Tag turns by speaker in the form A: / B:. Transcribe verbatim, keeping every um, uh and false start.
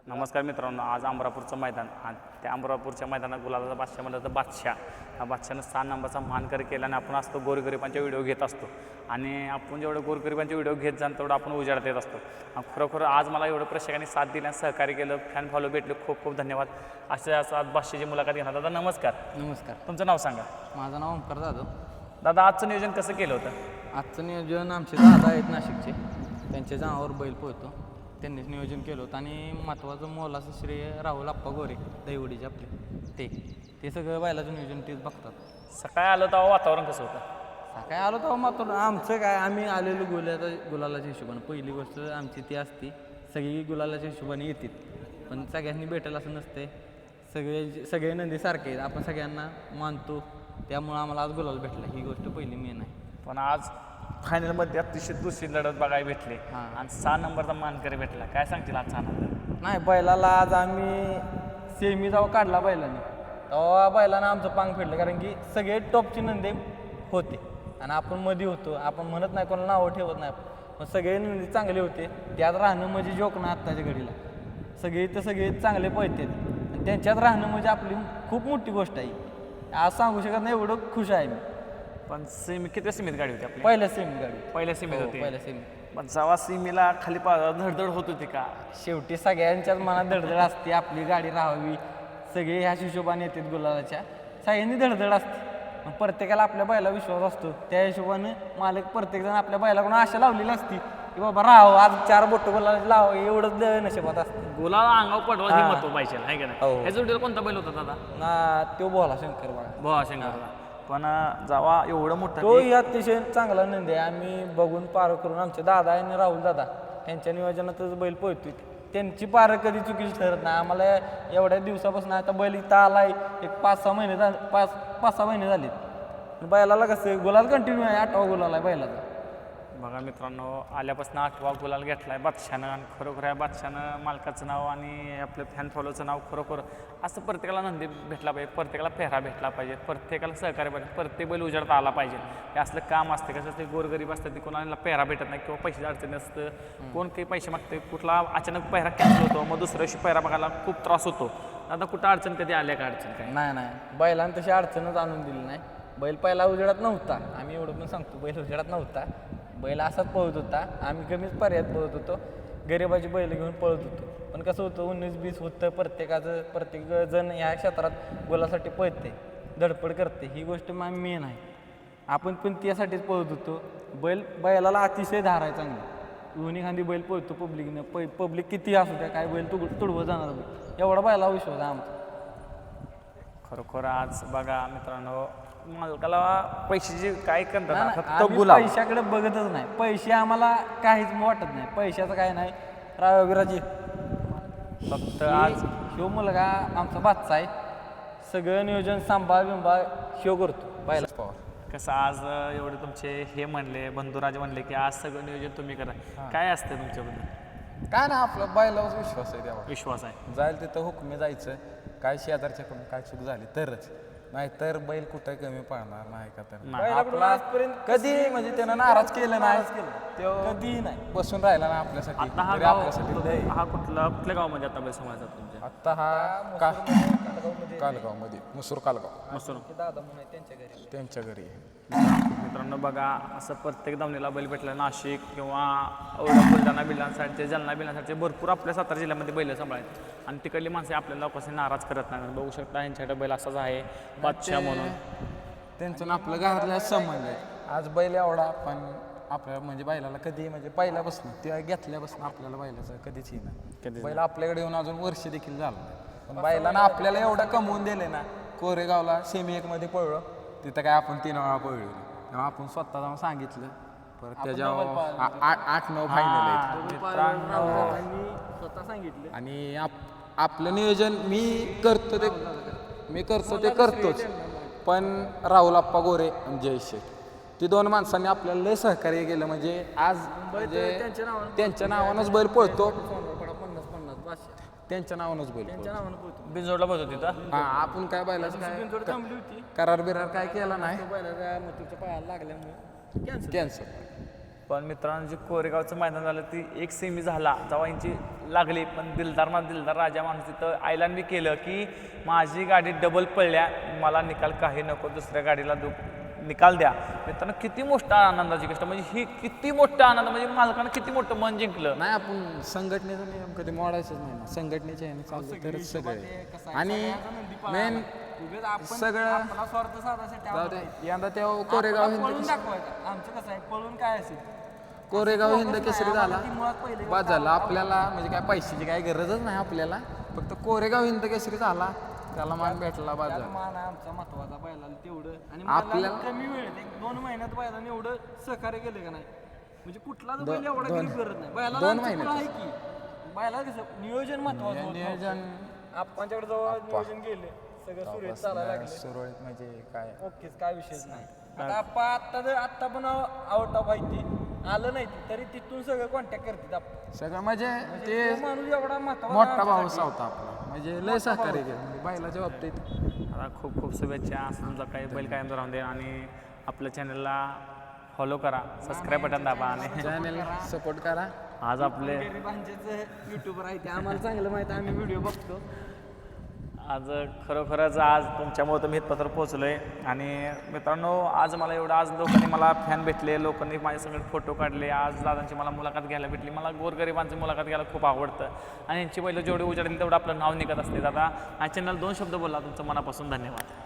A: नमस्कार मित्रांनो, आज अमरापूरचं मैदान आणि त्या अमरापूरच्या मैदानात गुलाबाचा बादशाह म्हणलं तर बादशाह हा बादशाहनं सहा नंबरचा मानकर केला आणि आपण असतो गोरगरिबांचे व्हिडिओ घेत असतो आणि आपण जेवढं गोरगरिबांचे व्हिडिओ घेत जाण तेवढं आपण उजाडत येत असतो. आणि खरोखर आज मला एवढं प्रेक्षकांनी साथ दिली आणि सहकार्य केलं, फॅन फॉलो भेटले, खूप खूप धन्यवाद. असे असं आज बादशाहची मुलाखत घेणार. दादा नमस्कार.
B: नमस्कार.
A: तुमचं नाव सांगा.
B: माझं नाव ओंकार जाधव.
A: दादा आजचं नियोजन कसं केलं होतं?
B: आजचं नियोजन आमचे दादा आहेत नाशिकचे, त्यांच्या नावावर बैल पोहतो, त्यांनीच नियोजन केलं होतं. आणि महत्त्वाचं मोलाचं श्रेय राहुल आप्पा गोरे दैवडीचे आपले, ते ते सगळं बैलाचं नियोजन तेच बघतात.
A: सकाळी आलं तेव्हा वातावरण कसं होतं?
B: सकाळी आलो तेव्हा मात्र आमचं काय, आम्ही आलेलो गुलाला गुलालाच्या हिशोबाने. पहिली गोष्ट आमची ती असती, सगळी गुलालाच्या हिशोबाने येतात, पण सगळ्यांनी भेटेल असं नसते. सगळे सगळे नंदी सारखे आहेत, आपण सगळ्यांना मानतो, त्यामुळं आम्हाला आज गुलाल भेटला, ही गोष्ट पहिली मेन आहे.
A: पण आज फायनलमध्ये अतिशय दुसरी लढत बघायला भेटली आणि सहा नंबरचा मानकरी भेटला. काय सांगतील आजचा आनंद?
B: नाही, बैलाला आज आम्ही सेमी जेव्हा काढला बैलाने, तेव्हा बैलानं आमचं पांग फेडलं, कारण की सगळे टॉपची नंदी होते आणि आपण मध्ये होतो. आपण म्हणत नाही, कोणाला नावं ठेवत नाही, पण सगळे नंदी चांगले होते. त्यात राहणं म्हणजे जोक ना आत्ताच्या घडीला. सगळे तर सगळे चांगले पळतात आणि त्यांच्यात राहणं म्हणजे आपली खूप मोठी गोष्ट आहे. आज सांगू शकत नाही, एवढं खुश आहे मी.
A: पण सेमी किती सीमित गाडी होती आपली?
B: पहिल्या सेमी गाडी,
A: पहिल्या सीमित होती.
B: पहिल्या सेमी.
A: पण जेव्हा सीमीला खाली पा धडधड होत होती का?
B: शेवटी सगळ्यांच्याच मनात धडधड असते, आपली गाडी राहावी, सगळे ह्याच हिशोबाने येतात गुलालाच्या, सगळ्यांनी धडधड असते. पण प्रत्येकाला आपल्या बैला विश्वास असतो, त्या हिशोबाने मालक प्रत्येकजण आपल्या बैलाकडून आशा लावलेली असती की बाबा राहावं, आज चार बोटं गुलाला लावावं, एवढंच नशिबात असतं.
A: गुलाला अंगावर पडवा ही महत्व पाहिजे, आहे का नाही?
B: हो.
A: ह्या जोडीला कोणता बैल होता दादा?
B: ना तो बोला शंकर बघा,
A: भोळा शंकरला. पण जेव्हा एवढं मोठं
B: तो अतिशय चांगला नंदी आहे. आम्ही बघून पार करून, आमचे दादा आणि राहुल दादा यांच्या नियोजनातच बैल पोहतोय. त्यांची पारं कधी चुकीची ठरत नाही. आम्हाला एवढ्या दिवसापासून आता बैल इथं आलाय, एक पाच सहा महिने झाले, पाच पाच सहा महिने झाले. बैलाला कसं गुलाल कंटिन्यू आहे, आठवा गुलाल आहे बैलाचा.
A: बघा मित्रांनो, आल्यापासून आठवा गुलाल घेतलाय बादशाहनं आणि खरोखर या बादशाहनं मालकाचं नाव आणि आपलं फॅन फॉलोचं नाव खरोखर असं प्रत्येकाला नंदी भेटला पाहिजे, प्रत्येकाला पेहरा भेटला पाहिजे, प्रत्येकाला सहकार्य पाहिजे, प्रत्येक बैल उजाडता आला पाहिजे. हे असलं काम असते. कसं असते, गोरगरीब असतात, ते कोणाला पेहरा भेटत नाही किंवा पैशाची अडचण असतं, कोण काही पैसे मागते, कुठला अचानक पेहरा कॅन्सल होतो, मग दुसऱ्या दिवशी पेहरा बघायला खूप त्रास होतो. आता कुठं अडचण कधी आल्या का? अडचण काय
B: नाही नाही, बैलांना तशी अडचणच आणून दिली नाही. बैल पहिला उजेडात नव्हता, आम्ही एवढं पण सांगतो, बैल उजेडात नव्हता. बैल असाच पळत होता, आम्ही कमीच पर्यायात पळत होतो, गरिबाची बैल घेऊन पळत होतो. पण कसं होतं, उन्नीस बीस होतं, प्रत्येकाचं प्रत्येक जण ह्या क्षेत्रात गोलासाठी पळते, धडपड करते, ही गोष्ट मग मेन आहे. आपण पण त्यासाठीच पळत होतो. बैल बैलाला अतिशय धार आहे चांगली, दोन्ही खांदी बैल पळतो पब्लिकनं. पै पब्लिक किती असू द्या, काय बैल तुड तुडवं जाणार बैल, एवढा बैला विश्वास आहे आमचा.
A: खरोखर आज बघा मित्रांनो, मालकाला पैशाची काय करतात, फक्त
B: आम्ही
A: गुलाल.
B: पैशाकडे बघतच नाही, पैसे आम्हाला काहीच वाटत नाही, पैशाचं काय नाही. रावविराजी
A: फक्त आज
B: ह्यो मुलगा आमचा बादचा आहे, सगळं नियोजन सांभाळ बिंबाळ ह्यो करतो पहिला पवार.
A: कसं आज एवढे तुमचे हे म्हणले, बंधुराज म्हणले की आज सगळं नियोजन तुम्ही करा, काय असतं तुमच्याबद्दल?
C: काय ना, आपलं बैलावर विश्वास आहे, तेव्हा
A: विश्वास आहे.
C: जाईल तिथं हुकमी जायचं, काय शेजारच्याकडून काय चूक झाली तरच, नाही तर बैल कुठं कमी पडणार नाही का? तर
A: नाही.
C: आपला कधी म्हणजे त्यानं नाराज केलं नाही, तो
B: कधीही नाही.
C: बसून राहिला ना आपल्यासाठी.
A: आता हा
C: तरी
A: गाव
C: आपल्यासाठी लय.
A: हा कुठला कुठल्या गावामध्ये आता बैल समाजात तुमच्या?
C: आत्ता हा का कालगावमध्ये, मुसूर कालगाव,
A: मसूर.
B: दादा म्हणून आहे त्यांच्या घरी,
C: त्यांच्या घरी आहे.
A: मित्रांनो बघा, असं प्रत्येक दावणीला बैल भेटला. नाशिक किंवा औरंगाबाद, बुलढाणा, बिल्लाण साईडचे, जालना बिल्लाण साईडचे भरपूर आपल्या सातारा जिल्ह्यामध्ये बैल सांभाळायचे आणि तिकडली माणसे आपल्याला कसं नाराज करत नाही. बघू शकता यांच्याकडे बैल असाच आहे, बादशाह म्हणून.
C: त्यांचं आपलं घरातल्या संबंध आहे. आज बैल एवढा, पण आपल्या म्हणजे बैलाला कधी म्हणजे पहिल्यापासून त्या घेतल्यापासून आपल्याला बैलाचं कधीच ही नाही.
A: कधीच
C: बैल आपल्याकडे येऊन अजून वर्ष देखील झालं नाही. पण बैलानं आपल्याला एवढं कमवून दिले ना. कोरेगावला सेमी एक मध्ये पळलो, तिथं काय आपण तीन वेळा पळलो, तेव्हा आपण स्वतः जाऊन सांगितलं, परत त्याच्यावर आ- आठ आठ नऊ फायनल आहेत.
B: स्वतः सांगितलं.
C: आणि आप आपलं नियोजन मी करतो ते मी करतो ते करतोच, पण राहुल आप्पा गोरे आणि जय शेठ, ती दोन माणसांनी आपल्याला लय सहकार्य केलं. म्हणजे आज म्हणजे त्यांच्या नावानंच बैल पळतो,
B: पन्नास पन्नास पाचशे
C: त्यांच्या नावानंच बैल पळतो.
B: नावानं पोहोचतो.
A: बिनजोडला बसत तिथं.
C: हा, आपण काय बैलाचं काय
B: थांबली होती,
C: करार बिरार काय केला नाही,
B: बैलाच्या मृत्यूच्या पायाला लागल्यामुळे कॅन्सल.
C: कॅन्सल.
A: पण मित्रांनो, जे कोरेगावचं मैदान झालं ती एक सेमी झाला, जेव्हा यांची लागली, पण दिलदार मा दिलदार राजा माणूस तिथं आयलान बी केलं की माझी गाडी डबल पळल्या, मला निकाल काही नको, दुसऱ्या गाडीला दु निकाल द्या. मित्रांनो किती मोठा आनंदाची गोष्ट, म्हणजे ही किती मोठा आनंद, म्हणजे मालकानं किती मोठं मन जिंकलं.
C: नाही आपण संघटनेचा नियम कधी मोडायचंच नाही ना, संघटनेचे आहे चाललं तरच सगळे. आणि मेन सगळं
B: आपला स्वार्थ साधायसाठी
C: जाऊ
B: आपण
C: दे, यंदा तेव्हा कोरेगाव
B: आपल्याला
C: हिंद
B: पळून दाखवायचं. आमचं कसं आहे, पळून काय असेल
C: कोरेगाव हिंद केसरी झाला
B: ती मुळात पहिले
C: बाद झाला. आपल्याला म्हणजे काय पैशाची काय गरजच नाही आपल्याला, फक्त कोरेगाव हिंद केसरी झाला, त्याला मान भेटला, बाद
B: त्यात
C: झाला.
B: मान आहे आमचा महत्वाचा बैलाला तेवढं. आणि
C: आपल्याला-
B: आपल्याला कमी वेळेत एक दोन महिन्यात बैलाने एवढं सहकार्य केलं का नाही, म्हणजे कुठलाच बैल एवढा गरीब करत नाही. बैलाला
C: दोन
B: आमचं
C: महिन्यात.
B: कुठं आहे की बैलाला कसं नियोजन महत्वाचं होतं.
C: नियोजन
B: आपणच्याकडे जवळ नियोजन गेले सगळं सुरळीत चालायला लागलं.
C: सुरळीत म्हणजे काय
B: ओकेच, काय विषयच नाही. आता आपण आत्ता जर आत्ता पण आउट ऑफ आहे ते आलं नाही ते, तरी तिथून सगळं कॉन्टॅक्ट करतात आपण.
C: सगळं म्हणजे
B: तो
C: ते
B: माणूस एवढा महत्वाचा
C: मोठा भाऊस होता आपला, म्हणजे लय सहकार्य केलं म्हणजे बैलाच्या बाबतीत.
A: आता खूप खूप शुभेच्छा, असं तुमचा काही बैल कायम राहून दे, आणि आपल्या चॅनलला फॉलो करा, सबस्क्राईब बटन दाबा, आणि
C: चॅनल सपोर्ट करा.
A: आज आपले
B: गरीबांचेच युट्यूबर आहे ते आम्हाला चांगलं माहिती आहे, आम्ही व्हिडिओ बघतो.
A: आज खरोखरच आज तुमच्यामुळे तर मी इथपर्यंत पोहोचलो आहे. आणि मित्रांनो आज मला एवढं, आज लोकांनी मला फॅन भेटले, लोकांनी माझ्यासंगत फोटो काढले, आज दादांची मला मुलाखत घ्यायला भेटली. मला गोरगरिबांची मुलाखत घ्यायला खूप आवडतं, आणि यांची पहिलं जेवढे उजाडली तेवढं आपलं नाव निघत असते. दादा या चॅनल दोन शब्द बोला, तुमचं मनापासून धन्यवाद.